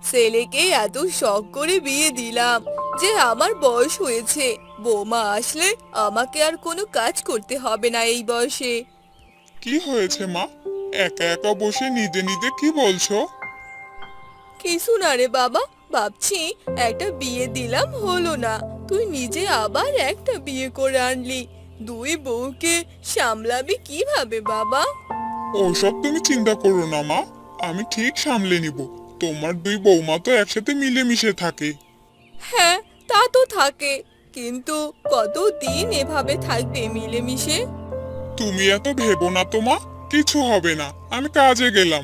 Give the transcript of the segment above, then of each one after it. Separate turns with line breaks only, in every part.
ছেলেকে এত শখ করে বিয়ে দিলাম যে আমার বয়স হয়েছে। বৌমা আসলে আমাকে আর কোনো কাজ করতে হবে না এই বয়সে।
কি হয়েছে মা? একা একা বসে নিজে নিজে কি বলছো?
কিছু না রে বাবা, ভাবছি একটা বিয়ে দিলাম হলো না, তুই নিজে আবার একটা বিয়ে করে আনলি। দুই বউকে সামলাবি কিভাবে বাবা?
ওসব তুমি চিন্তা করো না মা, আমি ঠিক সামলে নিব। তোমার দুই বৌমা তো একসাথে মিলেমিশে থাকে।
হ্যাঁ, তা তো থাকে, কিন্তু কতদিন এভাবে থাকবে মিলেমিশে?
তুমি এত ভেবো না তো মা, কিছু হবে না, আমি কাজে গেলাম।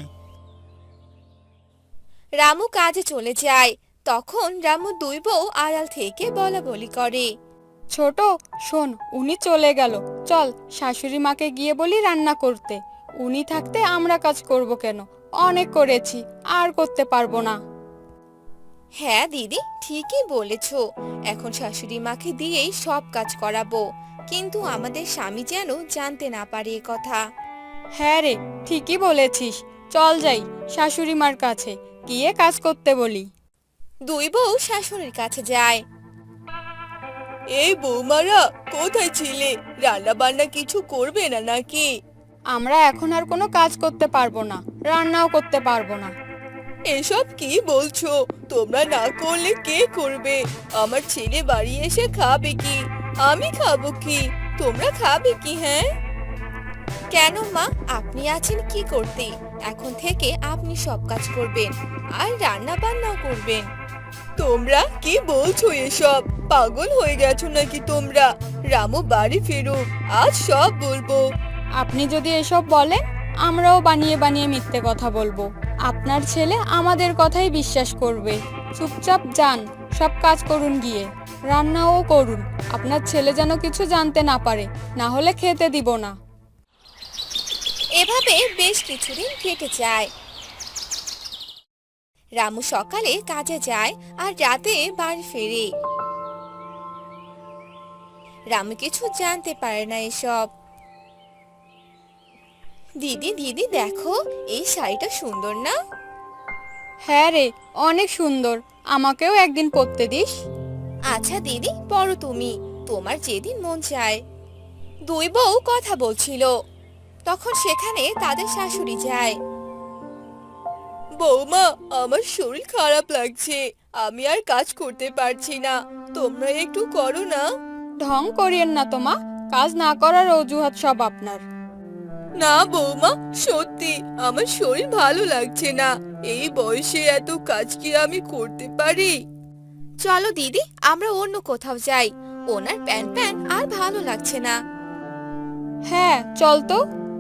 রামু কাজে চলে যায়। তখন রামু দুই বউ আড়াল থেকে বলা বলি করে।
ছোট, শোন, উনি চলে গেল। চল শাশুড়ি মাকে গিয়ে বলি রান্না করতে। উনি থাকতে আমরা কাজ করব কেন? অনেক করেছি, আর করতে পারবো না।
হ্যাঁ দিদি, ঠিকই বলেছো। এখন শাশুড়ি মাকে দিয়েই সব কাজ করাবো, কিন্তু আমাদের স্বামী যেন জানতে না পারে এ কথা।
হ্যাঁ রে, ঠিকই বলেছিস। চল যাই শাশুড়ি মার কাছে, গিয়ে কাজ করতে বলি।
দুই বউ শাশুড়ির কাছে যায়।
এই বৌমারা, কোথায় ছিলে? রান্না বান্না কিছু করবে না নাকি?
আমরা এখন আর কোনো কাজ করতে পারবো না, রান্নাও করতে পারবো না।
এসব কি বলছো? তোমরা না করলে কে করবে? আমার ছেলে বাড়ি এসে খাবে কি? আমি খাবো কি? তোমরা খাবে কি? হ্যাঁ,
কেন মা, আপনি আছেন কি করতে? এখন থেকে আপনি সব কাজ করবেন, আর রান্না বান্নাও করবেন।
তোমরা কি বলছো এসব? পাগল হয়ে গেছো নাকি তোমরা? রামু বাড়ি ফিরুক, আজ সব বলবো।
আপনি যদি এসব বলেন, আমরাও বানিয়ে বানিয়ে মিথ্যে কথা বলবো। আপনার ছেলে আমাদের কথাই বিশ্বাস করবে। চুপচাপ যান, সব কাজ করুন, গিয়ে রান্নাও করুন। আপনার ছেলে যেন কিছু জানতে না পারে, না হলে খেতে দিব না।
এভাবে বেশ কিছুদিন কেটে যায়। রামু সকালে কাজে যায় আর রাতে বাড়ি ফেরে। রামু কিছু জানতে পারে না এসব। দিদি দিদি দেখো, এই শাড়িটা সুন্দর না?
হ্যাঁ রে, অনেক সুন্দর। আমাকেও একদিন পরতে দিস।
আচ্ছা দিদি, পরো তুমি, তোমার যেদিন মন চায়। দুই বউ কথা বলছিল, তখন সেখানে তাদের শাশুড়ি যায়।
বৌমা, আমার শরীর খারাপ লাগছে, আমি আর কাজ করতে পারছি না, তোমরা একটু করো না।
ঢং করিয়েন না তো মা, কাজ না করার অজুহাত সব আপনার।
না বৌমা, সত্যি আমার শরীর ভালো লাগছে না। এই বয়সে এত কাজ কি আমি করতে পারি?
চলো দিদি, আমরা অন্য কোথাও যাই, ওনার প্যান প্যান আর ভালো লাগছে না।
হ্যাঁ, চল তো।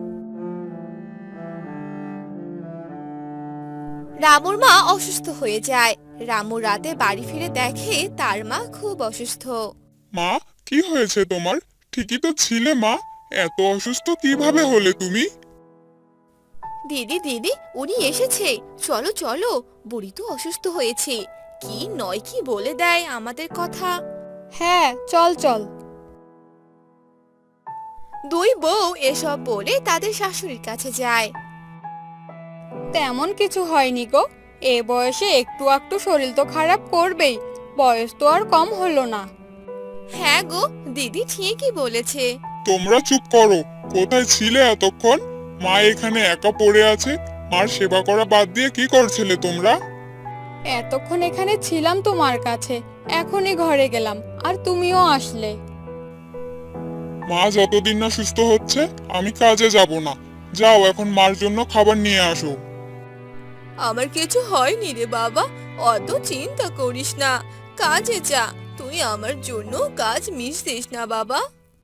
রামুর মা অসুস্থ হয়ে যায়। রামু রাতে বাড়ি ফিরে দেখে তার মা খুব অসুস্থ।
মা, কি হয়েছে তোমার? ঠিকই তো ছিলে মা, এত অসুস্থ কিভাবে হলে তুমি?
দিদি দিদি, উনি এসেছে, চলো চলো, বুড়ি তো অসুস্থ হয়েছে, কি নয় কি বলে দেয় আমাদের কথা।
হ্যাঁ, চল চল।
দুই বউ এসব বলে তাদের শাশুড়ির কাছে যায়।
তেমন কিছু হয়নি গো। এ বয়সে একটু একটু শরীর তো খারাপ করবেই, বয়স তো আর কম হলো না।
হ্যাঁ গো, দিদি ঠিকই বলেছে।
তোমরা চুপ করো, কোথায় ছিলে এতক্ষণ? মা এখানে একা পড়ে আছে, মার সেবা করা বাদ দিয়ে কি করছিলে তোমরা?
এতক্ষণ এখানে ছিলাম তোমার কাছে, এখনই ঘরে গেলাম, আর তুমিও আসলে।
মা যতদিন না সুস্থ হচ্ছে আমি কাজে যাব না। যাও এখন মার জন্য খাবার নিয়ে আসো।
আমার কিছু হয়নি রে বাবা, অত চিন্তা করিস না, কাজে যা। তুই আমার জন্য কাজ মিস দিস না বাবা।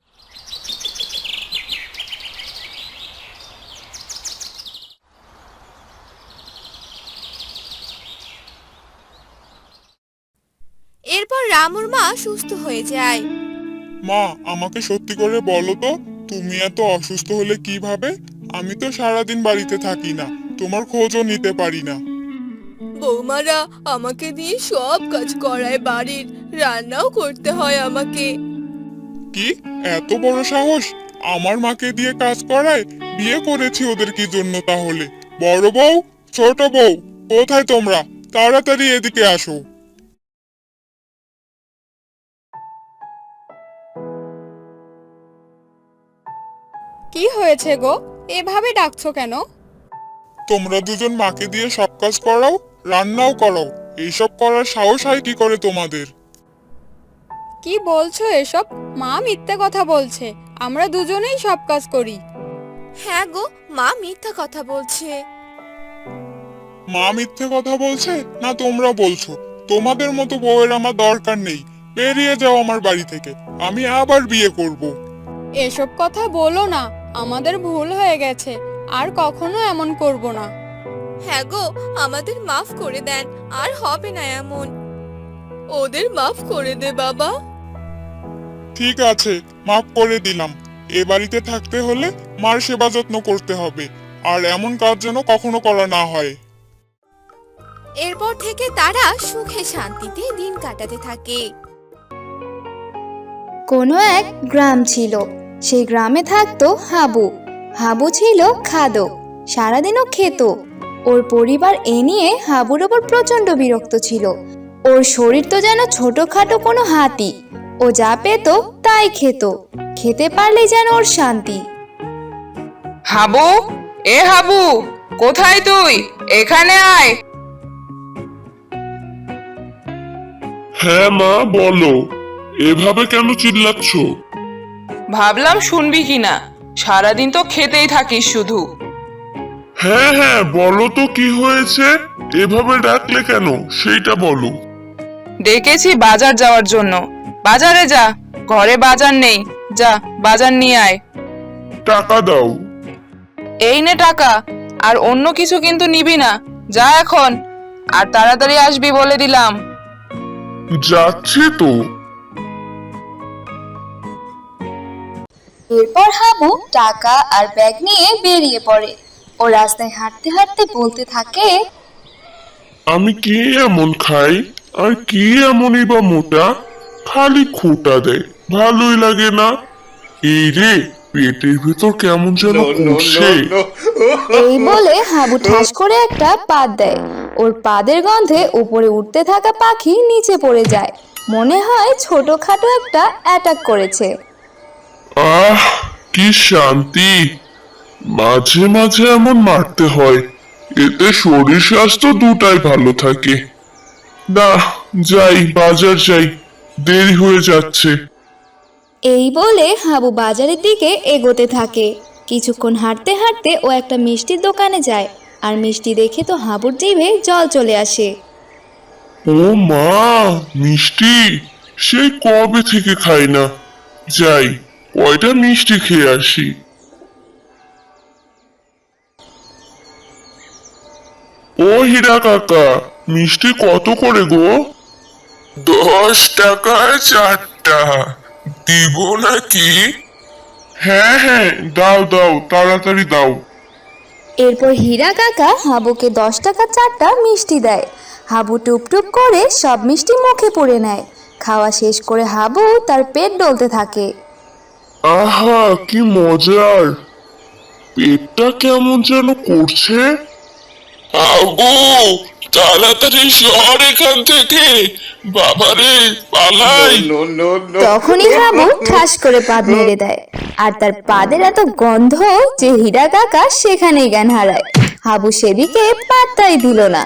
এরপর রামুর মা সুস্থ হয়ে যায়।
মা, আমাকে সত্যি করে বলো তো, তুমি এত অসুস্থ হলে কিভাবে? আমি তো সারাদিন বাড়িতে থাকি না, তোমার খোঁজও নিতে পারি না।
বৌমারা আমাকে দিয়ে সব কাজ করায় বাড়ির, রান্নাও করতে হয় আমাকে।
কি, এত বড় সাহস? আমার মাকে দিয়ে কাজ করায়? বিয়ে করেছি ওদের কি জন্য তাহলে? বড় বউ, ছোট বউ, কোথায় তোমরা? তাড়াতাড়ি এদিকে আসো।
কি হয়েছে গো, এভাবে ডাকছো কেন?
তোমরা দুজন মাকে দিয়ে সব কাজ করাও, রান্নাও করাও। এইসব করার সাহস হয় কি করে তোমাদের?
কি বলছো এসব? মা মিথ্যে কথা বলছে, আমরা দুজনেই সব কাজ করি।
হ্যাঁ গো, মা মিথ্যা কথা বলছে।
মা মিথ্যে কথা বলছে না তোমরা বলছো? তোমাদের মতো বউয়ের আমার দরকার নেই। বেরিয়ে যাও আমার বাড়ি থেকে, আমি আবার বিয়ে করব।
এসব কথা বলো না, আমাদের ভুল হয়ে গেছে, আর কখনো এমন করব না।
হ্যাঁ গো, আমাদের মাফ করে দেন, আর হবে না এমন।
ওদের মাফ করে দে বাবা।
ঠিক আছে, মাফ করে দিলাম। এ বাড়িতে থাকতে হলে মার সেবা যত্ন করতে হবে, আর এমন কাজ যেন কখনো করা না হয়।
এরপর থেকে তারা সুখে শান্তিতে দিন কাটাতে থাকে।
কোনো এক গ্রাম ছিল, সেই গ্রামে থাকতো হাবু। হাবু ছিল খাদক, সারাদিনও খেত। ওর পরিবার এ নিয়ে হাবুর ওপর প্রচন্ড বিরক্ত ছিল। ওর শরীর তো যেন ছোটখাটো কোনো হাতি, ও যা পেত তাই খেত, খেতে পারলেই যেন ওর শান্তি।
হাবু, এ হাবু, কোথায় তুই? এখানে আয়।
হ্যাঁ মা, বলো। এভাবে কেন চিল্লাচ্ছ?
ভাবলাম শুনবি কিনা, সারাদিন তো খেতেই থাকিস শুধু।
হ্যাঁ হ্যাঁ, বলো তো কি হয়েছে? এভাবে ডাকলে কেন সেইটা বলো।
ডেকেছি বাজার যাওয়ার জন্য। বাজারে যা, ঘরে বাজার নেই, যা বাজার নিয়ে আয়।
টাকা দাও।
এই নে টাকা, আর অন্য কিছু কিন্তু নিবি না, যা এখন, আর তাড়াতাড়ি আসবি বলে দিলাম।
যাচ্ছে তো।
এরপর হাবু টাকা আর ব্যাগ নিয়ে বেরিয়ে পড়ে। ও রাস্তায় হাঁটতে হাঁটতে বলতে থাকে,
আমি কি এমন খাই, আর কি এমনই বা মোটা? খালি খোটা দেয়, ভালোই লাগে না। এই রে, পেটের ভেতর কেমন যেন করছে।
এই বলে হাবু ঠাস করে একটা পাত দেয়। ওর পাদের গন্ধে উপরে উঠতে থাকা পাখি নিচে পড়ে যায়। মনে হয় ছোটখাটো একটা অ্যাটাক করেছে।
আহ, কি শান্তি! মাঝে মাঝে এমন মারতে হয়, এতে শরীর স্বাস্থ্য দুটাই ভালো থাকে। না, যাই, বাজার যাই, দেরি হয়ে যাচ্ছে।
এই বলে হাবু বাজারের দিকে এগোতে থাকে। কিছুক্ষণ হাঁটতে হাঁটতে ও একটা মিষ্টির দোকানে যায়। আর মিষ্টি দেখে তো হাবুর জিভে জল চলে আসে।
ও মা, মিষ্টি! সেই কবে থেকে খাই না। যাই, কয়টা মিষ্টি খেয়ে আসি। ও হীরা কাকা, মিষ্টি কত করে গো? 10 টাকায় 4টা। দিব নাকি? হ্যাঁ হ্যাঁ, দাও দাও, তাড়াতাড়ি দাও।
এরপর হীরা কাকা হাবুকে 10 টাকা 4টা মিষ্টি দেয়। হাবু টুপটুপ করে সব মিষ্টি মুখে পুরে নেয়। খাওয়া শেষ করে হাবু তার পেট ডলতে থাকে।
আহা, কি মজার! পেটটা কেমন যেন করছে। আবু, তাড়াতাড়ি সর এখান থেকে, বাবারে, পালাই।
তখনই হাবু ঠাস করে পাদ মেরে দেয়। আর তার পাদের এত গন্ধ যে হীরা কাকা সেখানেই জ্ঞান হারায়। হাবু সেদিকে পাত্তাই দিল না,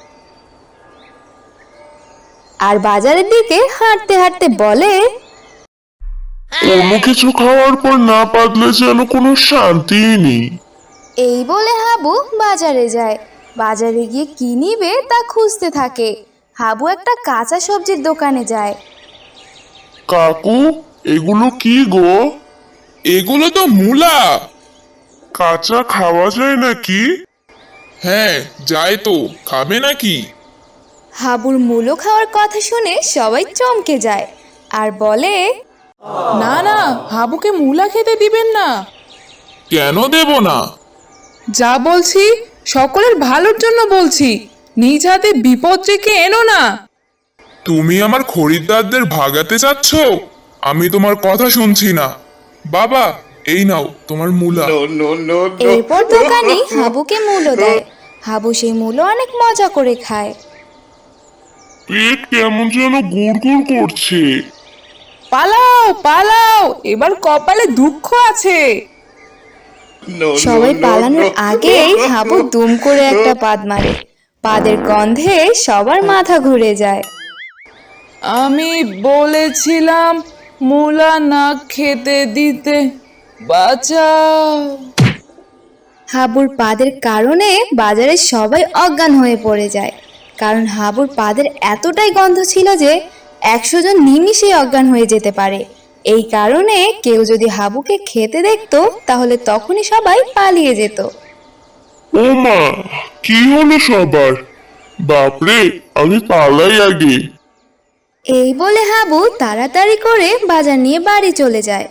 আর বাজারের দিকে হাঁটতে হাঁটতে বলে,
কোনো কিছু খাওয়ার পর না পাতলে যেন কোনো শান্তিই নেই।
এই বলে হাবু বাজারে যায়। বাজারে গিয়ে কি নিবে তা খুঁজতে থাকে। হাবু একটা কাঁচা সবজির দোকানে যায়।
কাকু, এগুলো কি গো?
এগুলো তো মূলা।
কাঁচা খাওয়া যায় নাকি?
হ্যাঁ, যায় তো, খাবে নাকি?
হাবুর মূলো খাওয়ার কথা শুনে সবাই চমকে যায় আর বলে,
না না, হাবুকে মূলা খেতে দিবেন না।
কেন দেব না?
যা বলছি সকলের ভালোর জন্য বলছি, নিজ হাতে বিপদ ডেকে এনো না।
তুমি আমার খরিদ্দারদের ভাগাতে চাচ্ছ? আমি তোমার কথা শুনছি না। বাবা, এই নাও তোমার মূলা।
এরপর দোকানি হাবুকে মূলো দেয়। হাবু সেই মূলো অনেক মজা করে খায়।
পেট কেমন যেন গুড় করছে।
পালাও পালাও, এবার কপালে দুঃখ আছে।
সবাই পালানোর আগেই হাবু দুম করে একটা পাদ মারে। পাদের গন্ধে সবার মাথা ঘুরে যায়।
আমি বলেছিলাম মূলা না খেতে দিতে, বাঁচাও।
হাবুর পাদের কারণে বাজারে সবাই অজ্ঞান হয়ে পড়ে যায়, কারণ হাবুর পাদের এতটাই গন্ধ ছিল যে 100 জন নিমিষেই অজ্ঞান হয়ে যেতে পারে। এই কারণে কেউ যদি হাবুকে খেতে দেখতো তাহলে তখনই সবাই পালিয়ে যেত।
ও মা, কি হলো সবার? বাপরে, আমি পালাই আগে।
এই বলে হাবু তাড়াতাড়ি করে বাজার নিয়ে বাড়ি চলে যায়।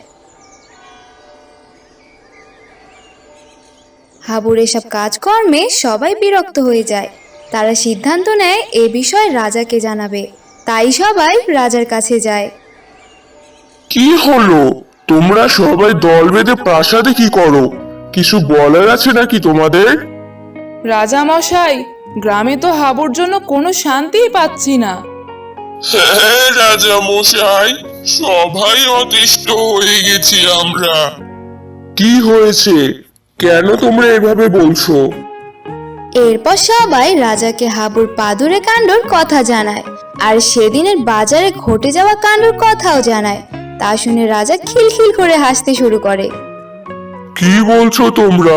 হাবুর এসব কাজকর্মে সবাই বিরক্ত হয়ে যায়। তারা সিদ্ধান্ত নেয় এ বিষয়ে রাজাকে জানাবে। তাই সবাই রাজার কাছে যায়।
কি হলো? তোমরা সবাই দল বেঁধে প্রাসাদে কি করো? কিছু বলার আছে নাকি তোমাদের?
রাজা মশাই, গ্রামে তো হাবুর জন্য কোনো শান্তিই পাচ্ছি না।
হ্যাঁ রাজা মশাই, সবাই অতিষ্ঠ হয়ে গেছি আমরা। কি হয়েছে? কেন তোমরা এভাবে বলছো?
এরপর সবাই রাজাকে হাবুর পাদুরে কাণ্ডর কথা জানায়, আর সেদিনের বাজারে ঘটে যাওয়া কাণ্ডর কথাও জানায়। তা শুনে রাজা খিলখিল করে হাসতে শুরু করে।
কি বলছো তোমরা?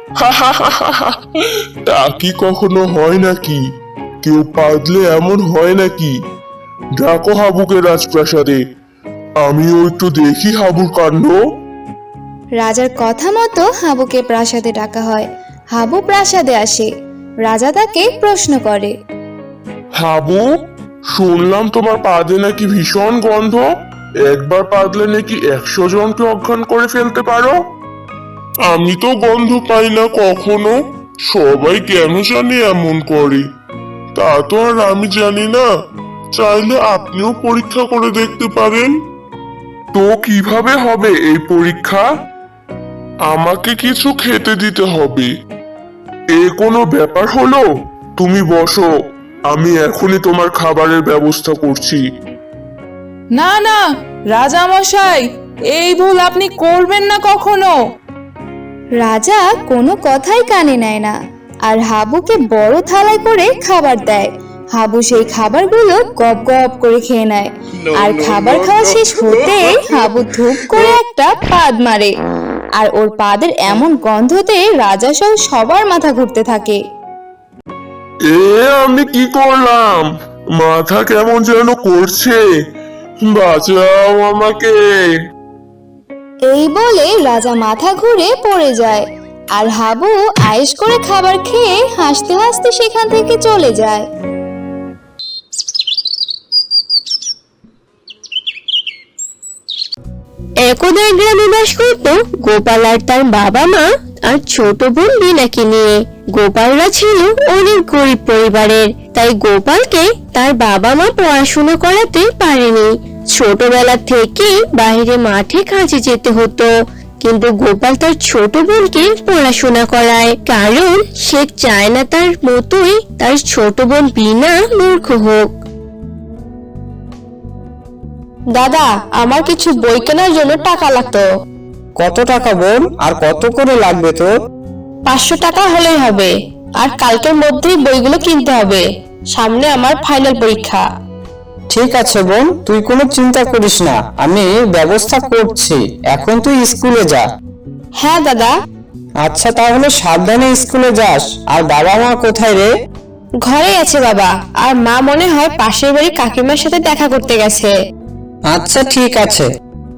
তা কি কখনো হয় নাকি? কেউ পাদলে এমন হয় নাকি? ডাকো হাবুকে রাজপ্রাসাদে, আমিও একটু দেখি হাবুর কাণ্ড।
রাজার কথা মতো হাবুকে প্রাসাদে ডাকা হয়। হাবু প্রাসাদে আসে। রাজা তাকে প্রশ্ন করে।
হাবু, শুনলাম তোমার পাদে নাকি ভীষণ গন্ধ। একবার পাদলে নাকি 100 জনকে অজ্ঞান করে ফেলতে পারো। আমি তো গন্ধ পাই না কখনো। সবাই কেন জানি এমন করে, তা তো আর আমি জানি না। চাইলে আপনিও পরীক্ষা করে দেখতে পারেন। তো কিভাবে হবে এই পরীক্ষা? আমাকে কিছু খেতে দিতে হবে। এ কোনো ব্যাপার হলো? তুমি বসো, আমি এখনই তোমার খাবারের ব্যবস্থা করছি।
না না রাজা মশাই, এই ভুল আপনি করবেন না কখনো।
রাজা কোনো কথাই কানে নেয় না, আর হাবুকে বড় থালায় করে খাবার দেয়। হাবু সেই খাবারগুলো গপ গপ করে খেয়ে নেয়। আর খাবার খাওয়া শেষ হতেই হাবু ধূপ করে একটা পাদ মারে, আর ওর পাদের এমন গন্ধতে রাজা সহ সবার মাথা ঘুরতে থাকে।
এ আমি কি করলাম? মাথা কেমন যেন করছে। বাঁচাও আমাকে।
এই বলে রাজা মাথা ঘুরে পড়ে যায়, আর হাবু আয়েশ করে খাবার খেয়ে হাসতে হাসতে সেখান থেকে চলে যায়।
একদা গ্রামে বাস করত গোপাল আর তার বাবা মা আর ছোট বোন বিনাকে নিয়ে। গোপালরা ছিল অনেক গরিব পরিবারের, তাই গোপালকে তার বাবা মা পড়াশোনা করাতে পারেনি। ছোটবেলা থেকে বাইরে মাঠে কাজে যেতে হতো, কিন্তু গোপাল তার ছোট বোনকে পড়াশোনা করায়, কারণ সে চায় না তার মতোই তার ছোট বোন বিনা মূর্খ হোক। দাদা, আমার কিছু বই কেনার জন্য টাকা লাগতো।
কত টাকা বোন, আর কত করে লাগবে তোর?
500 টাকা হলেই হবে, আর কালকের মধ্যেই বইগুলো কিনতে হবে। সামনে আমার ফাইনাল পরীক্ষা।
ঠিক আছে বোন, তুই কোনো চিন্তা করিস না, আমি ব্যবস্থা করছি। এখন তুই স্কুলে যা।
হ্যাঁ দাদা।
আচ্ছা তাহলে সাবধানে স্কুলে যাস। আর বাবা মা কোথায় রে?
ঘরে আছে বাবা, আর মা মনে হয় পাশের বাড়ি কাকিমার সাথে দেখা করতে গেছে।
আচ্ছা ঠিক আছে।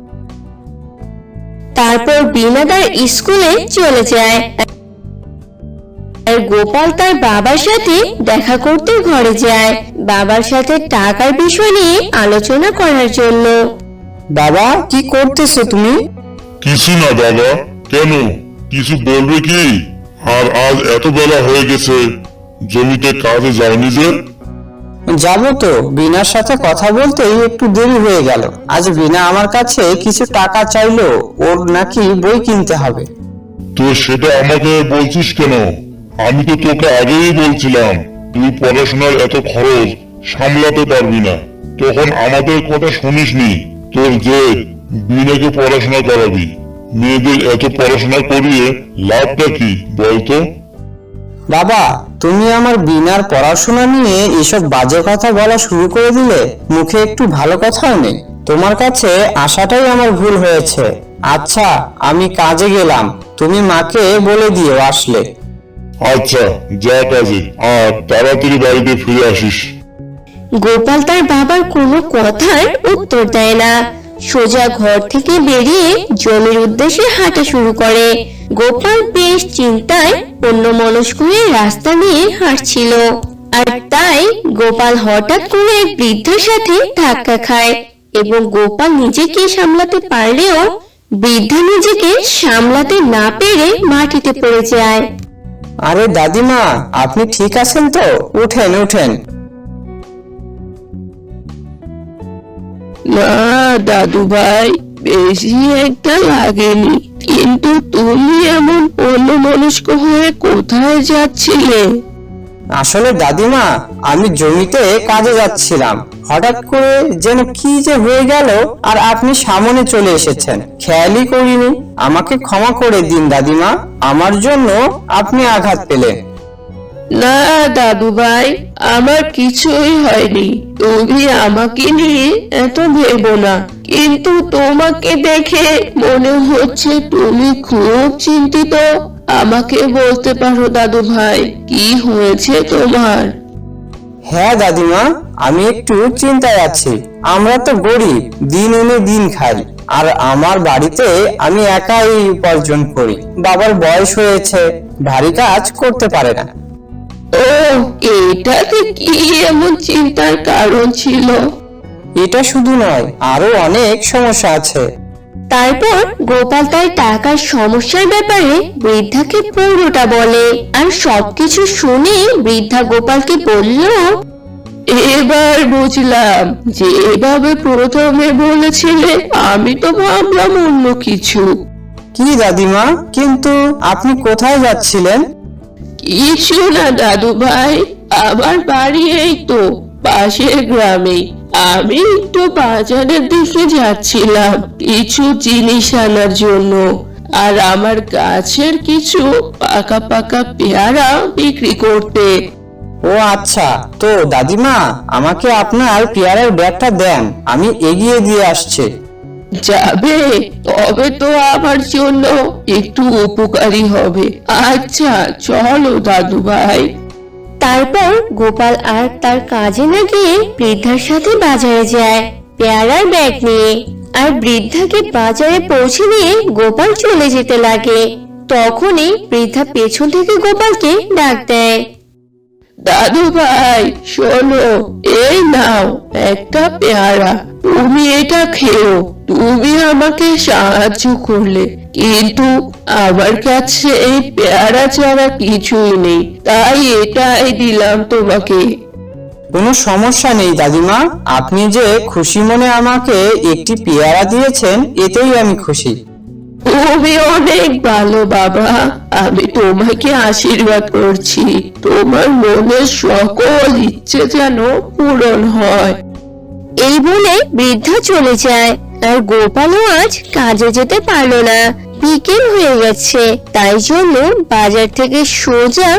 তারপর বিনা তার স্কুলে চলে যায়, আর গোপাল তার বাবার সাথে দেখা করতে ঘরে যায়, বাবার সাথে টাকার বিষয় নিয়ে আলোচনা করার জন্য।
বাবা, কি করতেছো তুমি?
কিছু না বাবা। কেন, কিছু বলবে কি? আর আজ এত বেলা হয়ে গেছে, জমিতে কাজে যাওনি যে?
যাবো তো, বিনার সাথে কথা বলতেই একটু দেরি হয়ে গেল। আজ বিনা আমার কাছে কিছু টাকা চাইলো, ওর নাকি বই কিনতে হবে।
তো সেটা আমাকে বলছিস কেন? আমি তো তোকে আগেই বলছিলাম তুই পড়াশোনার এত খরচ সামলাতে পারবি না, তখন আমাদের কথা শুনিসনি। তোর যে বিনাকে পড়াশোনা করাবি, মেয়েদের এত পড়াশোনা করিয়ে লাভটা কি বলতো?
বাবা, তুমি আমার বিনার পড়াশোনা নিয়ে এসব বাজে কথা বলা শুরু করে দিলে। মুখে একটু ভালো কথাও নেই। তোমার কাছে আসাটাই আমার ভুল হয়েছে। আচ্ছা, আমি কাজে গেলাম, তুমি মাকে বলে দিও আসলে।
আচ্ছা, যা কাজে, আর তাড়াতাড়ি বাড়িতে ফিরে আসিস।
গোপাল তার বাবার কোনো কথার উত্তর দেয় না, সোজা ঘর থেকে বেরিয়ে জমির উদ্দেশ্যে হাঁটা শুরু করে। গোপাল বেশ চিন্তায় অন্যমনস্ক হয়ে রাস্তা নিয়ে হাঁটছিল, আর তাই গোপাল হঠাৎ করে এক বৃদ্ধার সাথে ধাক্কা খায় এবং গোপাল নিজেকে সামলাতে পারলেও বৃদ্ধা নিজেকে সামলাতে না পেরে মাটিতে পড়ে যায়।
আরে দাদিমা, আপনি ঠিক আছেন তো? উঠেন উঠেন।
না দাদু ভাই, বেশি একটা লাগেনি, কিন্তু তুমি এমন অন্যমনস্ক হয়ে কোথায় যাচ্ছিলে?
আসলে দাদিমা, আমি জমিতে কাজে যাচ্ছিলাম, হঠাৎ করে যেন কি যে হয়ে গেল, আর আপনি সামনে চলে এসেছেন, খেয়ালই করিনি। আমাকে ক্ষমা করে দিন দাদিমা, আমার জন্য আপনি আঘাত পেলেন।
না দাদু ভাই, আমার কিছুই হয়নি, তুমি আমাকে নিয়ে এত ভেবো না। কিন্তু তোমাকে দেখে মনে হচ্ছে তুমি খুব চিন্তিত। আমাকে বলতে পারো দাদু ভাই, কি হয়েছে তোমার?
হ্যাঁ দাদিমা, আমি একটু চিন্তায় আছি। আমরা তো গরিব, দিন এনে দিন খাই, আর আমার বাড়িতে আমি একাই উপার্জন করি। বাবার বয়স হয়েছে, ভারী কাজ করতে পারে না।
ও, এটাতে কি এমন চিন্তার কারণ ছিল?
এটা শুধু নয়, আরো অনেক সমস্যা আছে।
তারপর গোপাল তার টাকার সমস্যার ব্যাপারে বৃদ্ধাকে পুরোটা বলে, আর সবকিছু শুনে বৃদ্ধা গোপালকে বলল,
এবার বুঝলাম যে এভাবে প্রথমে বলেছিলে, আমি তো ভাবলাম অন্য কিছু।
কি দাদিমা, কিন্তু আপনি কোথায় যাচ্ছিলেন?
কিছু না দাদু ভাই, আমার বাড়ি এই তো পাশের গ্রামে। আমি একটু বাজারের দিকে যাচ্ছিলাম কিছু জিনিস আনার জন্য, আর আমার গাছের কিছু পাকা পাকা পেয়ারা বিক্রি করতে।
ও আচ্ছা, তো দাদিমা, আমাকে আপনার পেয়ারার ব্যাগটা দেন, আমি এগিয়ে দিয়ে আসছি।
যাবে? তবে তো আমার জন্য একটু উপকারী হবে। আচ্ছা চলো দাদু ভাই।
তারপর গোপাল আর তার কাজে না গিয়ে বৃদ্ধার সাথে বাজারে যায় পেয়ারার ব্যাগ নিয়ে, আর বৃদ্ধাকে বাজারে পৌঁছে দিয়ে গোপাল চলে যেতে লাগে। তখনই বৃদ্ধা পেছন থেকে গোপালকে ডাক দেয়,
দাদু ভাই শোনো, এই নাও একটা পেয়ারা, তুমি এটা খেও। তুমি আমাকে সাহায্য করলে, কিন্তু আমার কাছে এই পেয়ারা ছাড়া কিছুই নেই, তাই এটাই দিলাম তোমাকে।
কোনো সমস্যা নেই দাদিমা, আপনি যে খুশি মনে আমাকে একটি পেয়ারা দিয়েছেন, এতেই আমি খুশি।
তুমি অনেক ভালো বাবা, আমি তোমাকে আশীর্বাদ করছি, তোমার মনের সকল ইচ্ছে যেন পূরণ হয়।
এই বলে বৃদ্ধা চলে যায়, আর গোপালও আজ কাজে যেতে পারলো না। বিকেল হয়ে গেছে, তাই জন্য বাজার থেকে সোজা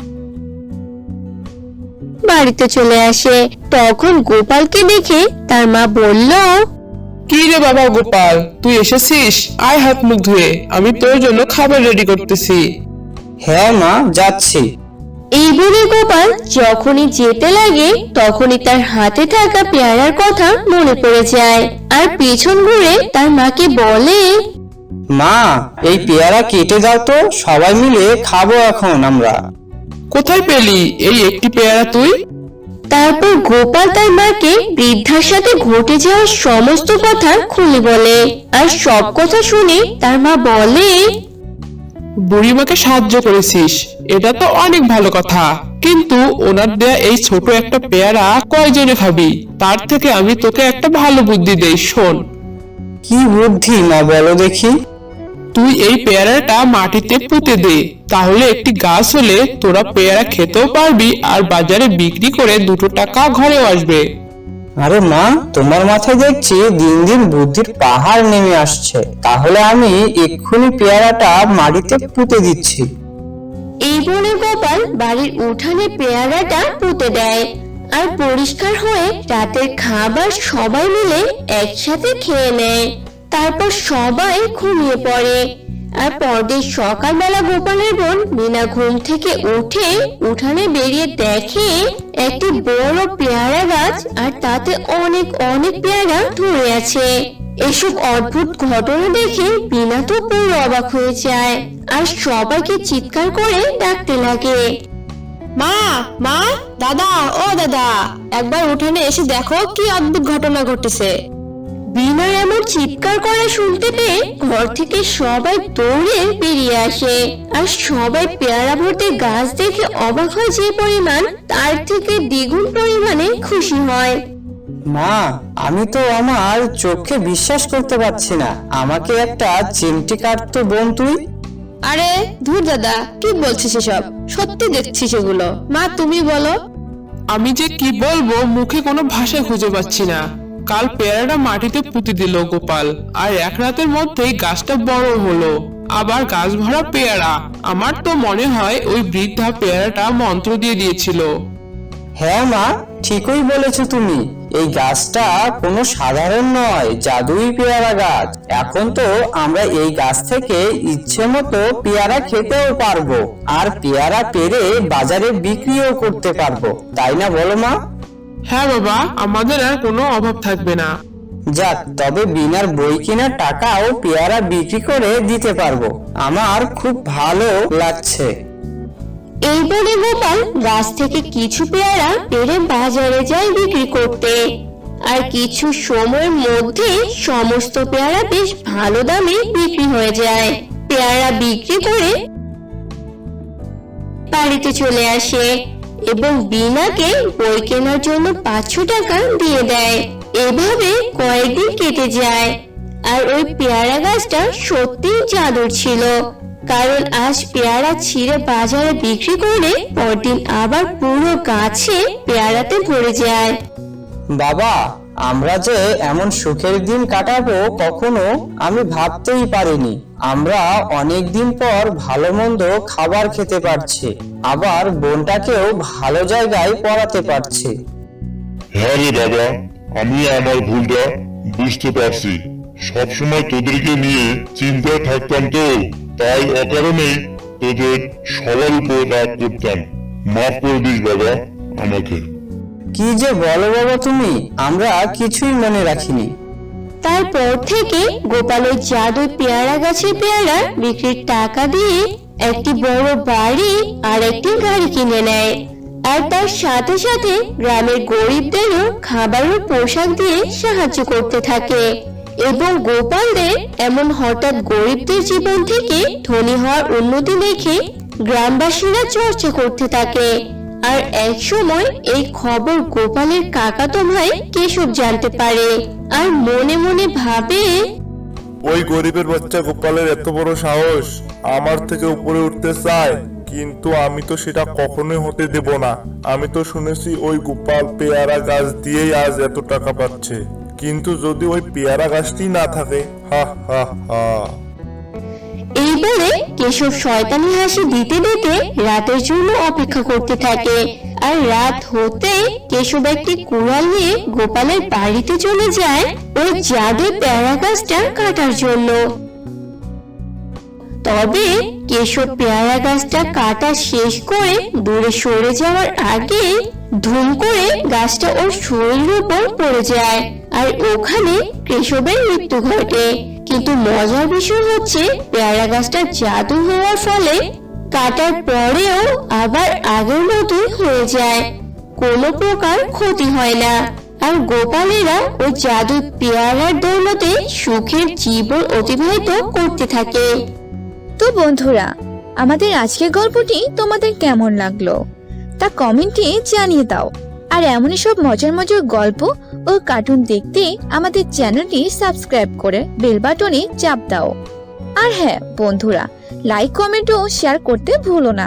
বাড়িতে চলে আসে। তখন গোপালকে দেখে তার মা বলল,
কি রে বাবা গোপাল, তুই এসেছিস? আয় হাত মুখ ধুয়ে, আমি তোর জন্য খাবার রেডি করতেছি।
হ্যাঁ মা, যাচ্ছি।
এই বলে গোপাল যখনই যেতে লাগে তখনই তার হাতে থাকা পেয়ারার কথা মনে পড়ে যায়, আর পেছন ঘুরে তার মাকে বলে,
মা, এই পেয়ারা কেটে দাও তো, সবাই মিলে খাবো এখন আমরা।
কোথায় পেলি এই একটি পেয়ারা তুই?
তারপর গোপাল তার মাকে বৃদ্ধার সাথে ঘটে যাওয়া সমস্ত কথা খুলে বলে, আর সব কথা শুনে তার মা বলে,
বুড়িমাকে সাহায্য করেছিস, এটা তো অনেক ভালো কথা, কিন্তু ওনার দেয়া এই ছোট একটা পেয়ারা কয়জনে খাবি? তার থেকে আমি তোকে একটা ভালো বুদ্ধি দেই, শোন।
কি বুদ্ধি মা, বলো দেখি।
তুই এই পেয়ারাটা মাটিতে পুঁতে দে, তাহলে একটি গাছ হলে তোরা পেয়ারা খেতেও পারবি আর বাজারে বিক্রি করে 2 টাকা ঘরেও আসবে।
আরে মা, তোমার মাথায় দেখছি দিন দিন বুদ্ধির পাহাড় নেমে আসছে। তাহলে আমি এক্ষুনি পেয়ারাটা মাটিতে পুঁতে দিচ্ছি।
এই বলে গোপাল বাড়ির উঠানে পেয়ারাটা পুঁতে দেয় আর পরিষ্কার হয়ে রাতের খাবার সবাই মিলে একসাথে খেয়ে নেয়। তারপর সবাই ঘুমিয়ে পড়ে। আর পরদিন সকালবেলা গোপালের বোন মিনা ঘুম থেকে উঠে উঠানে বেরিয়ে দেখে একটি বড় পেয়ারা গাছ আর তাতে অনেক অনেক পেয়ারা ধরে আছে। এসব অদ্ভুত ঘটনা দেখে মিনা তো পুরো অবাক হয়ে যায় আর সবাইকে চিৎকার করে ডাকতে লাগে।
মা, মা, দাদা, ও দাদা, একবার উঠানে এসে দেখো কি অদ্ভুত ঘটনা ঘটেছে।
বিনার এমন চিৎকার করা শুনতে পেয়ে ঘর থেকে সবাই দৌড়ে বেরিয়ে আসে আর সবাই পেয়ারা ভর্তি গাছ দেখে অবাক হয় যে পরিমাণ, তার থেকে দ্বিগুণ পরিমাণে খুশি হয়।
মা, আমি তো আমার চোখে বিশ্বাস করতে পারছি না। আমাকে একটা চিমটি কাটতো বোন তুই।
আরে ধুর দাদা, কি বলছিস এসব? সত্যি দেখছি সেগুলো। মা তুমি বলো।
আমি যে কি বলবো, মুখে কোনো ভাষা খুঁজে পাচ্ছি না। কাল পেয়ারাটা মাটিতে পুঁতে দিল গোপাল, আর 1 রাতের মধ্যেই গাছটা বড় হলো, আবার গাছ ভরা পেয়ারা। আমার তো মনে হয় ওই বৃদ্ধা পেয়ারাটা মন্ত্র দিয়ে দিয়েছিল।
হ্যাঁ মা, ঠিকই বলেছো তুমি। এই গাছটা কোনো সাধারণ নয়, জাদুই পেয়ারা গাছ। এখন তো আমরা এই গাছ থেকে ইচ্ছে মতো পেয়ারা খেতেও পারবো, আর পেয়ারা পেরে বাজারে বিক্রিও করতে পারবো, তাই না বলো মা?
হ্যাঁ বাবা, আমাদের আর কোনো অভাব থাকবে না।
যাক, তবে বিনার বই কেনার টাকাও পেয়ারা বিক্রি করে দিতে পারবো। আমার খুব ভালো লাগছে।
এই বলে গোপাল গাছ থেকে কিছু পেয়ারা পেড়ে বাজারে যায় বিক্রি করতে। আর কিছু সময়ের মধ্যে সমস্ত পেয়ারা বেশ ভালো দামে বিক্রি হয়ে যায়। পেয়ারা বিক্রি করে বাড়িতে চলে আসে এবং বিনাকে বই কেনার জন্য 500 টাকা দিয়ে দেয়। এভাবে কয়েকদিন কেটে যায় আর ওই পেয়ারা গাছটা সত্যি জাদুর ছিল, কারণ আজ পেয়ারা ছিঁড়ে বাজারে বিক্রি করলে পরদিন আবার পুরো গাছে পেয়ারাতে ভরে যায়।
বাবা, আমরা যে এমন সুখের দিন কাটাবো কখনো আমি ভাবতেই পারিনি। আমরা অনেক দিন পর ভালো মন্দ খাবার খেতে পারছি, আবার বোনটাকেও ভালো জায়গায় পড়াতে পারছি।
হ্যাঁ রে বাবা, আমি আমার ভুলটা বুঝতে পারছি। সবসময় তোদেরকে নিয়ে চিন্তায় থাকতাম, তো তাই অকারণেই তোদের সবার উপর রাগ করতাম। মাফ করে দিস বাবা আমাকে।
কি যে বলো বাবা তুমি, আমরা কিছুই মনে রাখিনি।
তারপর থেকে গোপাল ওই জাদুই পেয়ারা গাছের পেয়ারা বিক্রির টাকা দিয়ে একটি বড় বাড়ি আর একটি গাড়ি কিনে নেয়। আর তার সাথে সাথে গ্রামের গরিবদেরও খাবার ও পোশাক দিয়ে সাহায্য করতে থাকে। এবং গোপালদের এমন হঠাৎ গরিবদের জীবন থেকে ধনী হওয়ার উন্নতি দেখে গ্রামবাসীরা চর্চা করতে থাকে। আর এক সময় এই খবর গোপালের কাকাতো ভাই কেশব জানতে পারে আর মনে মনে ভাবে,
ওই গরিবের বাচ্চা গোপালের এত বড় সাহস, আমার থেকে উপরে উঠতে চায়, কিন্তু আমি তো সেটা কখনোই হতে দেব না। আমি তো শুনেছি ওই গোপাল পেয়ারা গাছ দিয়েই আজ এত টাকা পাচ্ছে, কিন্তু যদি ওই পেয়ারা গাছটি না থাকে, হা হা হা।
এই বলে কেশব শয়তানি হাসি দিতে দিতে রাতের জন্য অপেক্ষা করতে থাকে। আর রাত হতে কেশব একটি কুড়াল নিয়ে গোপালের বাড়িতে চলে যায় ওই জাদুর পেয়ারা গাছটা কাটার জন্য। তবে কেশব পেয়ারা গাছটা কাটা শেষ করে দূরে সরে যাওয়ার আগে ধুম করে গাছটা ওর শরীরের উপর পড়ে যায় আর ওখানে কেশবের মৃত্যু ঘটে। কিন্তু মজার বিষয় হচ্ছে পেয়ারা গাছটা জাদু হওয়ার ফলে কাটার পরেও আবার আগের মতোই হয়ে যায়, কোনো প্রকার ক্ষতি হয় না। আর গোপালেরা ওই জাদু পেয়ারার দৌলতে সুখের জীবন অতিবাহিত করতে থাকে।
তো বন্ধুরা, আমাদের আজকের গল্পটি তোমাদের কেমন লাগলো তা কমেন্টে জানিয়ে দাও। আর এমনই সব মজার মজার গল্প ও কার্টুন দেখতে আমাদের চ্যানেলটি সাবস্ক্রাইব করে বেল বাটনে চাপ দাও। আর হ্যাঁ বন্ধুরা, লাইক কমেন্ট ও শেয়ার করতে ভুলো না।